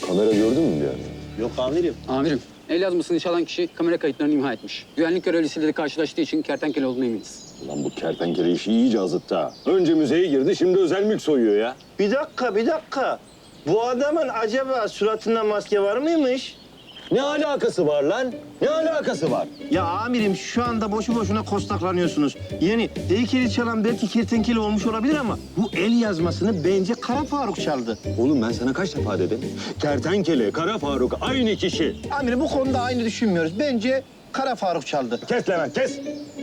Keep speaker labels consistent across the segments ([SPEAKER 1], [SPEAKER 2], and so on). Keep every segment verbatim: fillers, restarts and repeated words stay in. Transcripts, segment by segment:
[SPEAKER 1] Kamera gördün mü bir yerde?
[SPEAKER 2] Yok amirim.
[SPEAKER 3] Amirim, el yazmasını çalan kişi kamera kayıtlarını imha etmiş. Güvenlik görevlisiyle de karşılaştığı için kertenkele olduğuna eminiz.
[SPEAKER 1] Ulan bu kertenkele işi iyice azıttı ha. Önce müzeye girdi, şimdi özel mülk soyuyor ya.
[SPEAKER 2] Bir dakika, bir dakika. Bu adamın acaba suratında maske var mıymış?
[SPEAKER 1] Ne alakası var lan? Ne alakası var?
[SPEAKER 2] Ya amirim şu anda boşu boşuna kostaklanıyorsunuz. Yani heykeli çalan belki kertenkele olmuş olabilir ama bu el yazmasını bence Kara Faruk çaldı.
[SPEAKER 1] Oğlum ben sana kaç defa dedim? Kertenkele, Kara Faruk aynı kişi.
[SPEAKER 2] Amirim bu konuda aynı düşünmüyoruz. Bence Kara Faruk çaldı.
[SPEAKER 1] Kes Levent, kes.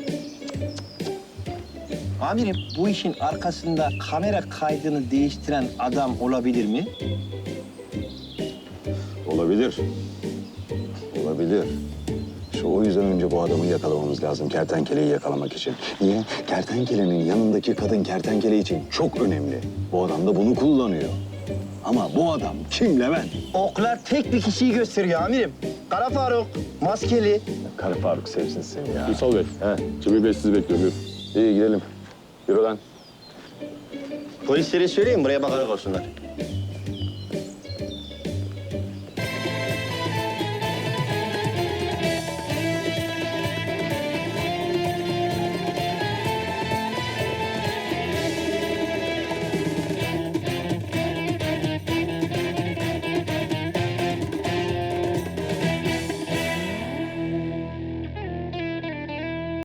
[SPEAKER 2] Amirim bu işin arkasında kamera kaydını değiştiren adam olabilir mi?
[SPEAKER 1] Olabilir. Olabilir. İşte o yüzden önce bu adamı yakalamamız lazım, kertenkeleyi yakalamak için. Niye? Kertenkelenin yanındaki kadın kertenkele için çok önemli. Bu adam da bunu kullanıyor. Ama bu adam kim Levent?
[SPEAKER 2] Oklar tek bir kişiyi gösteriyor amirim. Kara Faruk, maskeli.
[SPEAKER 1] Kara Faruk sevsin seni ya.
[SPEAKER 4] Ünsal Bey,
[SPEAKER 1] He.
[SPEAKER 4] Cemil Bey sizi bekliyor. Buyurun.
[SPEAKER 1] İyi gidelim. Yürü lan.
[SPEAKER 2] Polislere söyleyin buraya bakarak olsunlar.